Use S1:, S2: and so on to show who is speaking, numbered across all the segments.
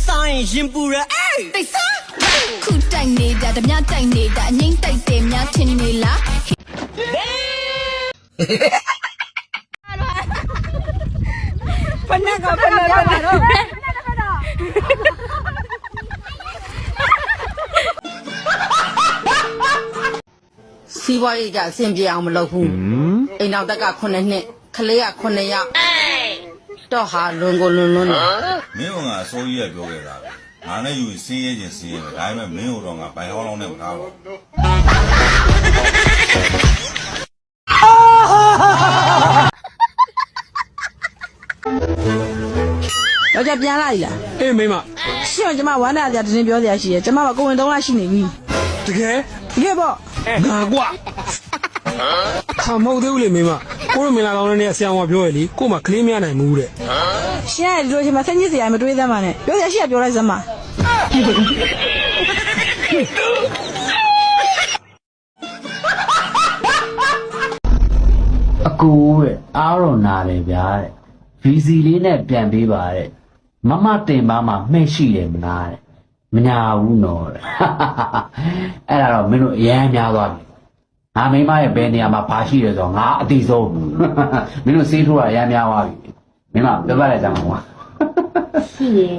S1: ဆိုင်ရင်ပူရအေးတိတ်စား
S2: ခုတိုက်နေတာဓမြတိုက်နေတာအငိမ့်တိုက်တယ်များထင်နေလား
S3: ဖနက်ကဖနက်တော့
S4: စီးပွားရေးကြအဆင်ပြေအောင်မလုပ်ဘူးအိမ်နောက်တက်က9နှစ်ခလေးက9ယောက်တော့ဟာလွန်ကိုလွန်လွန်းတယ်
S5: မင်းကဆိုးကြီးရပြောခဲ့တာပဲငါနဲ့ယူစင်းရဲခြင်းစင်းရဲပဲဒါပေမဲ့မင်းတို့တော့ငါဘိုင်ဟောင်းလုံးနဲ့မထားပါဘူး
S3: ယောက်ျားပြန်လာပြီလား
S6: အေးမိမ
S3: ရှင့်ကျမဝမ်းနာကြတင်းပြောစရာရှိရကျမကကိုဝင်3လရှိနေပြီ
S6: တကယ်
S3: ပေါ့
S6: ငါကွာဟာမဟုတ်သေးဘူးလေမိမကိုတို့မင်လာကောင်းတဲ့ဆရာမပြောရလေကို့မှာကလေးမရနိုင်ဘူးတဲ့
S3: ရှင့်ဒီလိုချိန်မှာဆက်ညစ်စရာမတွေးသမ်းပါနဲ့ပြောစရာရှိရပြောလိုက်စမ်းပါ
S7: အကူတဲ့အားရောနာတယ်ဗျာတဲ့ VC လေးနဲ့ပြန်ပေးပါတဲ့မမတင်ပါမှမှဲ့ရှိတယ်မလားတဲ့မညာဘူးနော်တဲ့အဲ့ဒါတော့မင်းတို့အရန်များသွားပြီငါမိမရဲ့ဘယ်နေရာမှာဘာရှိတယ်ဆိုတော့ငါအတိဆုံးမင်းတို့စေးထိုးတာအရန်များသွားပြီမင်းမပြောပြလိုက်ကြမှာကွာ
S2: ရှိရဲ့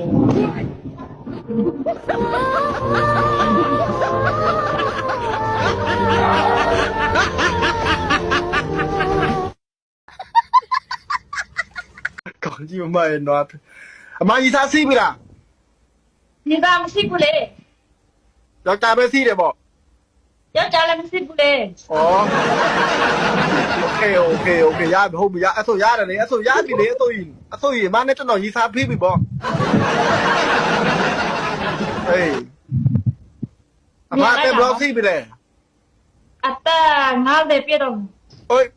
S8: ကောင်းကြီးမရဲ့နော်အမကြီးသားစီးပြီလား
S2: ဒီပါမရှိဘူးလေ
S8: ယောက်ျားပဲစီးတယ်ပေါ့
S2: ယောက်ျားလည်းမရှိဘူးလေ
S8: ဩโอเคရပြီဟုတ်ပြီရအဲ့ဆိုရတယ်လေအဲ့ဆိုရပြီလေအဲ့ဆိုရင်မနဲ့ကျွန်တော်ရီစားဖိပြီပေါ့ဟေးအမတဲ့ဘလော့စီးပြီလေ
S2: အတာ90ပြည့်တော့
S8: ဟို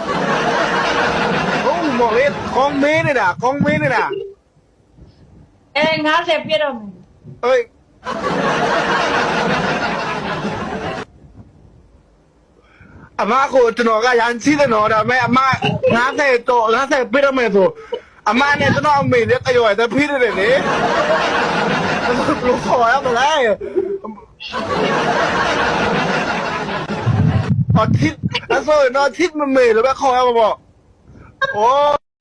S8: ဟုတ်မော်လေကောင်းမင်းနေတာ
S2: 90ပြည့်တော့
S8: ဟေးအမကိုကျွန်တော်ကရန်စီးတယ်နော်ဒါပေမဲ့အမ90တော့90ပြတော့မယ်ဆိုအမနဲ့ကျွန်တော်အမေနဲ့တရော်ရတဲ့ဖိတယ်လေဘလို့ခေါ်ရမလဲအထစ်အဲ့ဆိုတော့ထစ်မမေလို့ပဲခေါ်ရမှာပေါ့โอ้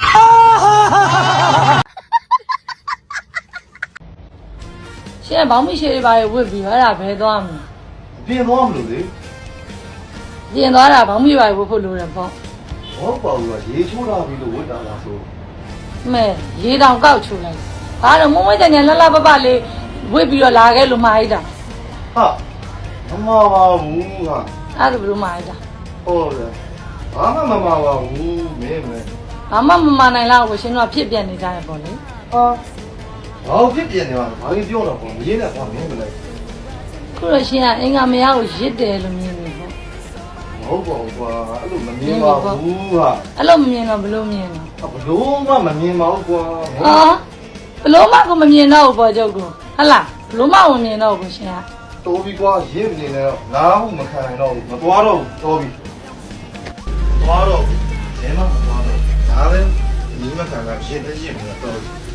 S3: ရှင့်ဘောင်းမရှိတွေပါရဝစ်ပြီးအဲ့ဒါဘယ်သွားမလဲ
S8: ပြင်သွားမလို့လေ
S3: ပြင်သွားတာဘောင်းမိပါဝစ်ဖို့လိုတယ်ပေါ့
S8: ဟုတ်ပါဘူးရေချိုးတာပြီးလို့ဝတ်တာလားဆို
S3: မဲရေတောင်ကောက်ချိုးလိုက်ဒါတော့မုံမွေးတဲ့ညလှလှပပလေးဝစ်ပြီးတော့လာခဲ့လို့မှားလိုက်တာ
S8: ဟာမမပါဘူးဟာ
S3: အဲ့ဒါဘယ်လိုမှားလိုက်တာ
S8: ဟုတ်တယ်ဘာမှမမပါဘူးမင်း
S3: ဘာမှမမနိုင်လောက်ကိုရှင်တို့ကဖြစ်ပြနေကြတယ်ပေါ့လေ
S8: ဘာဖြစ်ပြနေမှာဘာကြီးပြောတော့ပေါ့မရေးနဲ့ကွာမင်းမလဲ
S3: ခုတော့ရှင်ကအင်္ဂါမရကိုရစ်တယ်လို့မြင်နေပေါ့
S8: မဟုတ်ပါဘူးကွာအဲ့လိုမမြင်ပါဘူးဟာ
S3: အဲ့လိုမမြင်တော့ဘလို့မြင်တော့
S8: ဘလို့မှမမြင်ပါဘူးကွာ
S3: ဘလို့မှကိုမမြင်တော့ဘူးပေါ့ကျုပ်ကဟလားဘလို့မှမမြင်တော့ဘူးရှင်က
S8: တိုးပြီးကွာရစ်နေတယ်ငါ့ဟုမခံနိုင်တော့ဘူးမသွားတော့ဘူးတိုးပြီးသွားတော့ဘယ်မှမသွားတော့ဒါပဲညီမခံကရစ်နေတော့